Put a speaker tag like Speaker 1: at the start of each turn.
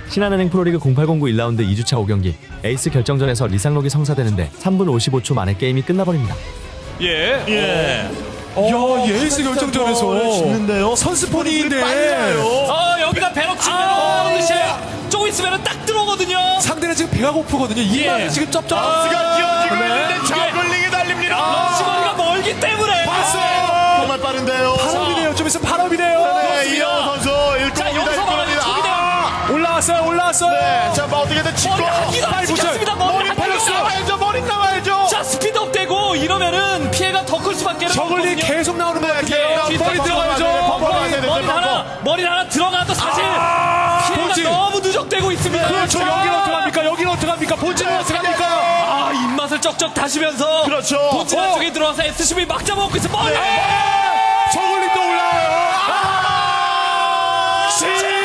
Speaker 1: 신한은행 프로리그 0809 1라운드 2주차 5경기 에이스 결정전에서 리상록이 성사되는데 3분 55초 만에 게임이 끝나버립니다.
Speaker 2: 예.
Speaker 3: 예.
Speaker 2: 야, 예스 결정전에서
Speaker 3: 짓는데요.
Speaker 2: 선스폰인데.
Speaker 4: 여기다 배럭 치면 듯이 조금 있으면 딱 들어오거든요.
Speaker 2: 상대는 지금 배가 고프거든요. 이마를 지금 쩝쩝.
Speaker 3: 스가 뛰어지고
Speaker 4: 네.
Speaker 3: 있는데 저글링이 달립니다.
Speaker 4: 시거리가 멀기 때문에.
Speaker 3: 정말 빠른데요.
Speaker 2: 파업이네요. 좀 있으면 파업이네요.
Speaker 3: 네, 이영호 선수
Speaker 4: 자,
Speaker 3: 1공입니다.
Speaker 4: 여기서 말하는 초기대요.
Speaker 2: 올라왔어요.
Speaker 3: 네, 자, 뭐 어떻게든 치고.
Speaker 4: 머리 한 기도 안 찍혔습니다. 머리 한 기도.
Speaker 3: 나와야죠. 머리 나와야죠.
Speaker 4: 자, 스피드업 되고 이러면은 피해가 더 클 수밖에
Speaker 2: 저글링
Speaker 4: 없거든요.
Speaker 2: 계속 나오는 것 같아요.
Speaker 4: 예,
Speaker 2: 머리 들어가야죠.
Speaker 4: 머리 하나 들어가도 사실 피해가
Speaker 2: 본진.
Speaker 4: 너무 누적되고 있습니다.
Speaker 2: 그렇죠. 여기는 어떡합니까? 여기는 어떡합니까? 본진은 어떡합니까?
Speaker 4: 아, 입맛을 쩍쩍 다시면서
Speaker 3: 그렇죠.
Speaker 4: 본진 안쪽에 들어와서 SCB 막 잡아먹고 있어. 머리!
Speaker 2: 저글링도 올라와요.